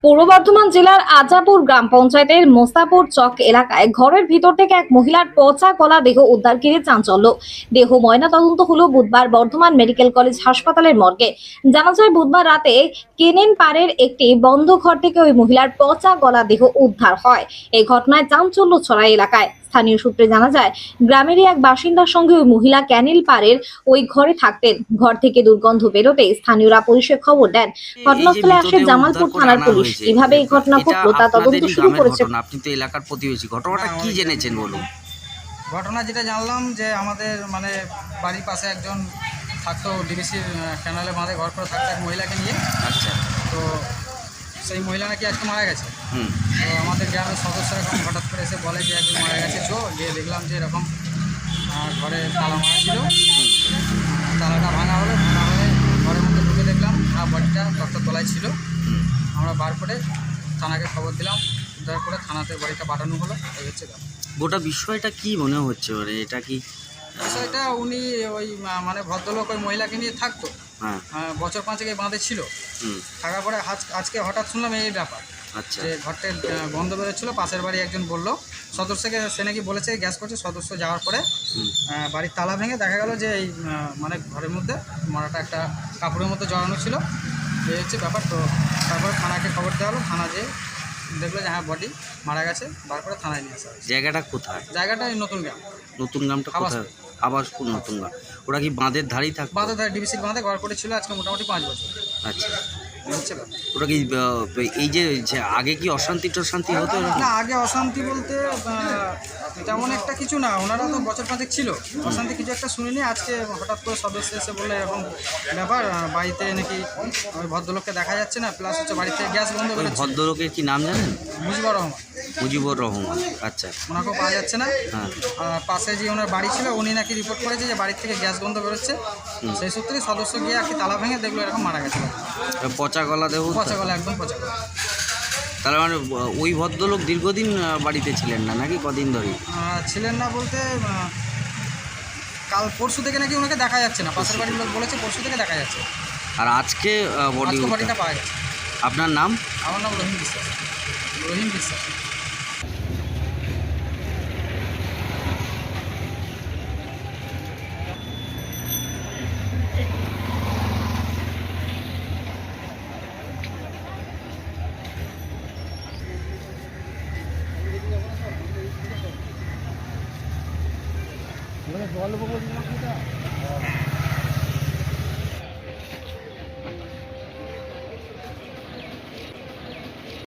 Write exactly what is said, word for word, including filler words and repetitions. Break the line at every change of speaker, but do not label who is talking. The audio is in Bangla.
পূর্ব বর্ধমান জেলার আজাপুর গ্রাম পঞ্চায়েতের মোস্তাপুর চক এলাকায় ঘরের ভিতর থেকে এক মহিলার পচা গলা দেহ উদ্ধার ঘিরে চাঞ্চল্য। দেহ ময়নাতদন্ত হলো বুধবার বর্ধমান মেডিকেল কলেজ হাসপাতালের মর্গে। জানা যায় বুধবার রাতে কেনেন পাড়ের একটি বন্ধ ঘর থেকে ওই মহিলার পচা গলা দেহ উদ্ধার হয়। এই ঘটনায় চাঞ্চল্য ছড়ায় এলাকায়। স্থানীয় সূত্রে জানা যায়, গ্রামেরই এক বাসিন্দার সঙ্গে ওই মহিলা ক্যানেল পাড়ের ওই ঘরে থাকতেন। ঘর থেকে দুর্গন্ধ বেরোতে স্থানীয়রা পুলিশে খবর দেন। ঘটনাস্থলে আসে জামালপুর থানার পুলিশ। কিভাবে এই ঘটনা ঘটলো তা তদন্ত শুরু করেছে।
আপনি তো এলাকার প্রতিবেশী, ঘটনাটা কি জেনেছেন বলুন।
ঘটনা যেটা জানলাম যে আমাদের মানে বাড়ির পাশে একজন থাকতো, ডিবিসির ক্যানালে বাঁধে ঘর করে থাকতো এক মহিলাকে নিয়ে।
আচ্ছা,
তো সেই মহিলা নাকি আজকে মারা গেছে।
হুম
তো আমাদের গ্রামের সদস্যরা এখন হঠাৎ করে এসে বলে যে একজন মারা গেছে, চো গিয়ে দেখলাম যে এরকম আহ, ঘরে তালা মারা ছিল। তালাটা ভাঙা হলো, ভাঙা হলে ঘরের মধ্যে ঢুকে দেখলাম আর বডিটা ডক্টর তলায় ছিল।
হুম
আমরা বার করে থানাকে খবর দিলাম, উদ্ধার করে থানাতে বডিটা পাঠানো হলো। এই হচ্ছে ব্যাপার।
গোটা বিষয়টা কি মনে হচ্ছে, মানে এটা কি?
বিষয়টা উনি ওই আহ, মানে ভদ্রলোক ওই মহিলাকে নিয়ে থাকতো।
হ্যাঁ,
আহ, বছর পাঁচেক এই বাঁধে ছিল।
হুম
থাকার পরে আজ আজকে হঠাৎ শুনলাম এই ব্যাপার,
আচ্ছা,
যে ঘরটায় আহ, গন্ধ বেরোচ্ছিল। পাশের বাড়ি একজন বললো সদস্যকে, সে নাকি বলেছে গ্যাস করছে। সদস্য যাওয়ার পরে
হুম
আহ, বাড়ির তালা ভেঙে দেখা গেল যে এই আহ, মানে ঘরের মধ্যে মরাটা একটা কাপড়ের মধ্যে জড়ানো ছিল। এই হচ্ছে ব্যাপার। তো তারপরে থানাকে খবর দেওয়া হলো। থানা যে দেখলো যে হ্যাঁ বডি মারা গেছে, বার করে থানায় নিয়ে আসা হয়েছে।
জায়গাটা কোথায়?
জায়গাটা এই নতুন গ্রাম,
নতুন গ্রামটা কোথায়? আবাসপুর নতুন গ্রাম। ওরা কি বাঁধের ধারেই থাকতো?
বাঁধে ধারে ডিবিসির বাঁধে ঘর করেছিল আজকে মোটামুটি পাঁচ বছর।
আচ্ছা,
এই হচ্ছে ব্যাপার।
ওরা কি আহ, এই যে যে আগে কি অশান্তি টশান্তি হতো এরকম?
না, আগে অশান্তি বলতে আহ, তেমন একটা কিছু না। ওনারা তো বছর পাঁচেক ছিল, অশান্তি কিছু একটা শুনিনি। আজকে হঠাৎ করে সদস্য এসে বললে এরকম ব্যাপার, আহ, বাড়িতে নাকি ওই ভদ্রলোককে দেখা যাচ্ছে না, প্লাস হচ্ছে বাড়ি থেকে গ্যাস বন্ধ
ওই
বেরোচ্ছে।
ভদ্রলোকের কি নাম জানেন?
মুজিবুর রহমান,
মুজিবুর রহমান। আচ্ছা,
ওনাকেও পাওয়া যাচ্ছে না।
হ্যাঁ,
আর পাশে যে ওনার বাড়ি ছিল, উনি নাকি রিপোর্ট করেছে যে বাড়ির থেকে গ্যাস গন্ধ বেরোচ্ছে। সেই সূত্রেই সদস্য গিয়ে আর কি তালা ভেঙে দেখলো এরকম মারা গেছে।
পচা গলা দেহ।
পচা গলা, একদম পচা গলা।
তার মানে আহ, ওই ভদ্রলোক দীর্ঘদিন আহ, বাড়িতে ছিলেন না নাকি কদিন ধরে?
আহ, ছিলেন না বলতে আহ, কাল পরশু থেকে নাকি ওনাকে দেখা যাচ্ছে না। পাশের বাড়ির লোক বলেছে পরশু থেকে দেখা যাচ্ছে।
আর আজকে বডি?
আজকে বডিটা পাওয়া গেছে।
আপনার নাম?
আমার নাম রহিম বিশ্বাস। রহিম বিশ্বাস। জল